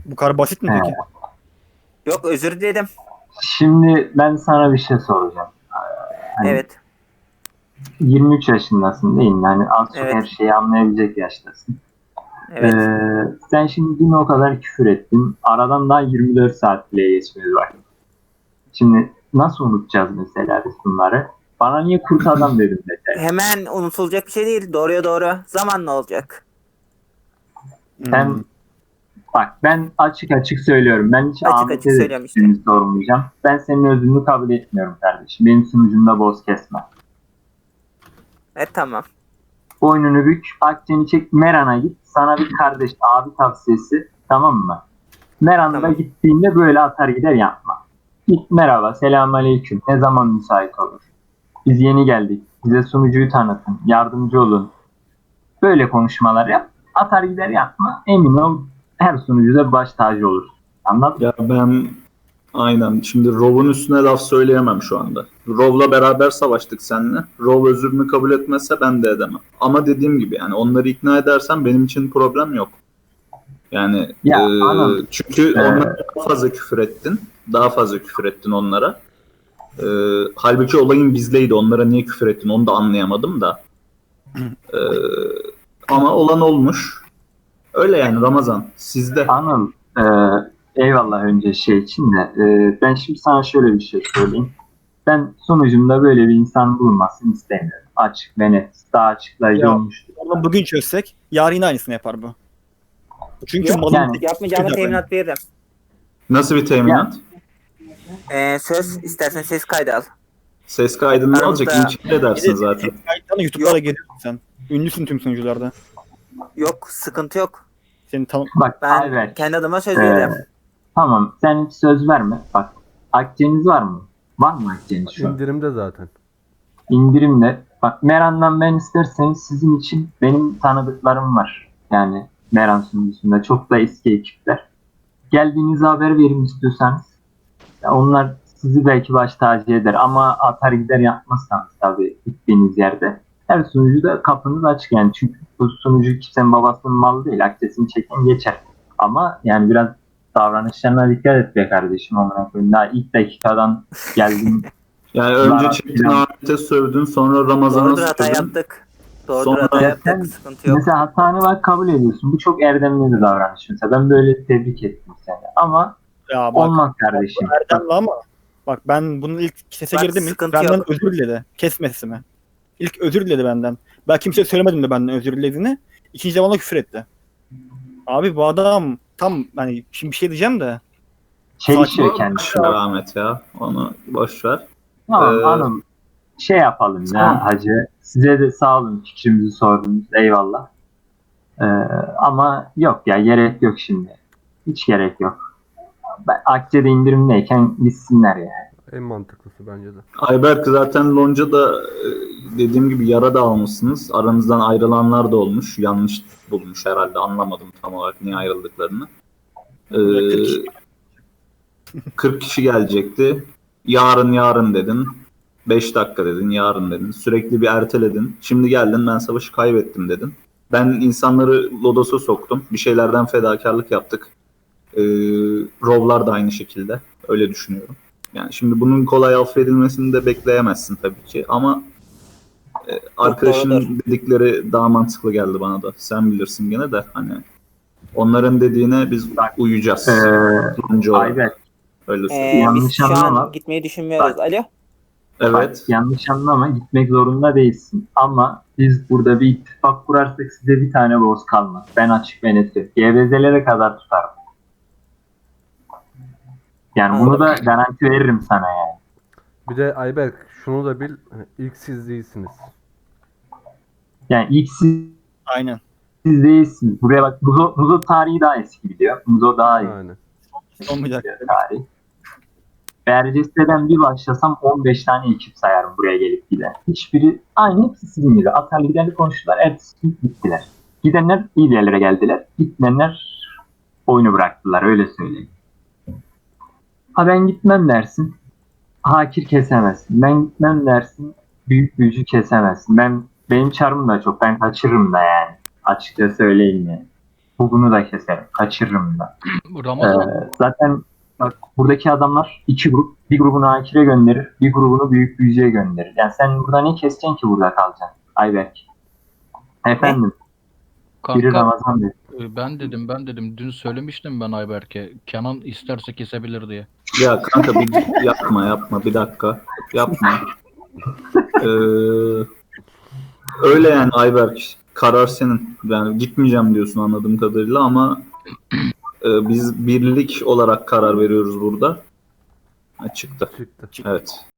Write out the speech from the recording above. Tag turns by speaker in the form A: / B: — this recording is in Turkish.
A: Bu kadar basit mi peki?
B: Yok, özür dilerim.
C: Şimdi ben sana bir şey soracağım. Hani
B: Evet.
C: 23 yaşındasın değil mi? Yani az çok her
B: Evet.
C: şeyi anlayabilecek yaştasın.
B: Evet.
C: Sen şimdi dün o kadar küfür ettin. Aradan daha 24 saat bile geçmedi var. Şimdi nasıl unutacağız mesela biz bunları? Bana niye kurt adam dedin mesela?
B: Hemen unutulacak bir şey değil. Doğruya doğru. Zamanla olacak.
A: Hmm.
C: Sen bak, ben açık açık söylüyorum. Ben hiç
B: Açık açık
C: Ahmet'e de
B: söylüyorum işte.
C: fikrimi sormayacağım. Ben senin özrünü kabul etmiyorum kardeşim. Benim sunucumda boz kesme.
B: Tamam.
C: Boynunu bük, akçeni çek, Meran'a git. Sana bir kardeş, abi tavsiyesi, tamam mı? Meran'da
B: Tamam.
C: gittiğinde böyle atar gider yapma. Git, merhaba, selamünaleyküm. Ne zaman müsait olur? Biz yeni geldik. Bize sunucuyu tanıtın. Yardımcı olun. Böyle konuşmalar yap. Atar gider yapma. Emin ol, her sunucuda baş tacı olur. Anladın mı?
D: Ya ben aynen şimdi Rov'un üstüne laf söyleyemem şu anda. Rov'la beraber savaştık seninle. Rov özrünü kabul etmezse ben de edemem. Ama dediğim gibi yani onları ikna edersen benim için problem yok. Yani
C: Ya anam,
D: çünkü onlara daha fazla küfür ettin. Daha fazla küfür ettin onlara. Halbuki olayın bizdeydi. Onlara niye küfür ettin onu da anlayamadım da. E, Ama olan olmuş. Öyle yani Ramazan. Sizde.
C: Anıl, eyvallah önce şey için de. Ben şimdi sana şöyle bir şey söyleyeyim. Ben sonucumda böyle bir insan bulunmasını istemiyorum. Açık ve net. Daha açıklayıcı
A: Ya,
C: olmuştur.
A: Onu bugün çözsek yarın yine aynısını yapar bu. Çünkü
B: Yok,
A: malın
C: yani
B: yapmayacağına teminat veririm.
D: Nasıl bir teminat?
B: Söz istersen ses kaydı al.
D: Ses kaydını ne olacak?
B: Aramızda-
D: İnkar edersin zaten.
A: kayıtlarla YouTube'da da geliyorsun sen. Ünlüsün tüm sunucularda.
B: Yok, sıkıntı yok.
A: Seni tanım...
C: bak
B: Ben
C: Ayberk,
B: kendi adıma söz
C: e,
B: veririm.
C: tamam sen hiç söz verme. Bak, akçeniz var mı? Var mı akçeniz şu an?
E: İndirimde zaten.
C: İndirimle. Bak, Meran'dan ben isterseniz sizin için benim tanıdıklarım var. Yani Meran sunucusunda çok da eski ekipler. Geldiğinizi haber verin istiyorsanız. Ya onlar sizi belki baş tacı eder ama atar gider yapmazsanız tabii gittiğiniz yerde. Her sunucuda kapınız açık yani. Çünkü bu sunucu kimsenin babasının malı değil. Akçesini çeken geçer. Ama yani biraz davranışlarına dikkat et be kardeşim. Amına koyayım. Daha ilk dakikadan geldim.
D: Yani önce
C: Zarar
D: Çetin
C: filan.
D: Ahmet'e sövdün, sonra Ramazan'a
B: Doğrudur, hata
D: sövdün.
B: yaptık. Doğrudur,
D: Sonra-
B: hata
C: Ya
B: yaptık.
C: sen
B: Sıkıntı yok.
C: mesela hatanı bak kabul ediyorsun. Bu çok erdemli bir davranış. Mesela ben böyle tebrik ettim seni. Ama
A: Ya bak,
C: olmaz kardeşim.
A: bu Erdemli ama bak ben bunun ilk sese
B: Bak,
A: girdim ilk
B: sıkıntı
A: benden
B: yok.
A: özür diledi. Kesmesimi. İlk özür diledi benden. Ben kimseye söylemedim de benden özür dilediğini. İkinci de bana küfür etti. Abi bu adam tam hani şimdi bir şey diyeceğim de
C: Çelişiyor
D: Boş
C: kendisi.
D: ver Ahmet ya. Onu boş ver.
C: Tamam
D: Ee,
C: hanım. Şey yapalım
D: tamam.
C: ya hacı. Size de sağ olun fikrimizi sordunuz. Eyvallah. Ee, ama yok ya, gerek yok şimdi. Hiç gerek yok. Akçe'de indirimdeyken gitsinler yani.
E: En mantıklısı bence de.
D: Ayberk zaten Lonca'da dediğim gibi yara da almışsınız. Aranızdan ayrılanlar da olmuş. Yanlış bulmuş herhalde. Anlamadım tam olarak niye ayrıldıklarını.
A: 40 kişi.
D: 40 kişi gelecekti. Yarın dedin. 5 dakika dedin, yarın dedin. Sürekli bir erteledin. Şimdi geldin, ben savaşı kaybettim dedin. Ben insanları Lodos'a soktum. Bir şeylerden fedakarlık yaptık. Rovlar da aynı şekilde. Öyle düşünüyorum. Yani şimdi bunun kolay affedilmesini de bekleyemezsin tabii ki. Ama arkadaşın
B: doğrudur.
D: dedikleri daha mantıklı geldi bana da. Sen bilirsin gene de hani onların dediğine biz uyacağız. Sonuncu olarak.
C: Ayberk,
D: Öyle söyleyeyim.
B: Biz
C: yanlış
B: şu
C: anlama.
B: an gitmeyi düşünmüyoruz.
C: Bak.
B: Alo.
D: Evet.
C: bak, yanlış anlama, gitmek zorunda değilsin. Ama biz burada bir ittifak kurarsak size bir tane boz kalmaz. Ben açık ve net söyleyeyim. GBZ'lere kadar tutarım. Yani bunu da garanti veririm sana yani.
E: Bir de Ayberk şunu da bil. Hani ilk siz değilsiniz.
C: Yani ilk siz
A: Aynen.
C: değilsiniz. Buraya bak, Muzo tarihi daha eski biliyor. Muzo daha iyi
E: Yani.
A: Olmayacak.
C: biliyor tarihi. Berceste'den bir başlasam 15 tane ekip sayarım buraya gelip giden. Hiçbiri aynı, hepsi sizin gibi. Atarlı giderli konuştular, ertesi gün gittiler. Gidenler iyi yerlere geldiler. Gitmeyenler oyunu bıraktılar, öyle söyleyeyim. Ha ben gitmem dersin, hakir kesemezsin. Ben gitmem dersin, büyük büyücü kesemezsin. Benim çarım da çok, ben kaçırırım da yani. Açıkça söyleyeyim yani. Bugünü da keserim. Kaçırırım da.
F: Ramazan
C: Zaten bak, buradaki adamlar iki grup. Bir grubunu Akir'e gönderir. Bir grubunu Büyük Büyücü'ye gönderir. Yani sen burada ne keseceksin ki burada kalacaksın? Ayberk. Efendim. Biri
F: kanka
C: Ramazan dedi.
F: ben dedim dün söylemiştim ben Ayberk'e Kenan isterse kesebilir diye.
D: Ya kanka bir yapma bir dakika. Yapma. Öyle yani Ayberk. Karar senin. Yani gitmeyeceğim diyorsun anladığım kadarıyla ama biz birlik olarak karar veriyoruz burada. Ha, çıktı.
E: Çıktı.
D: Evet.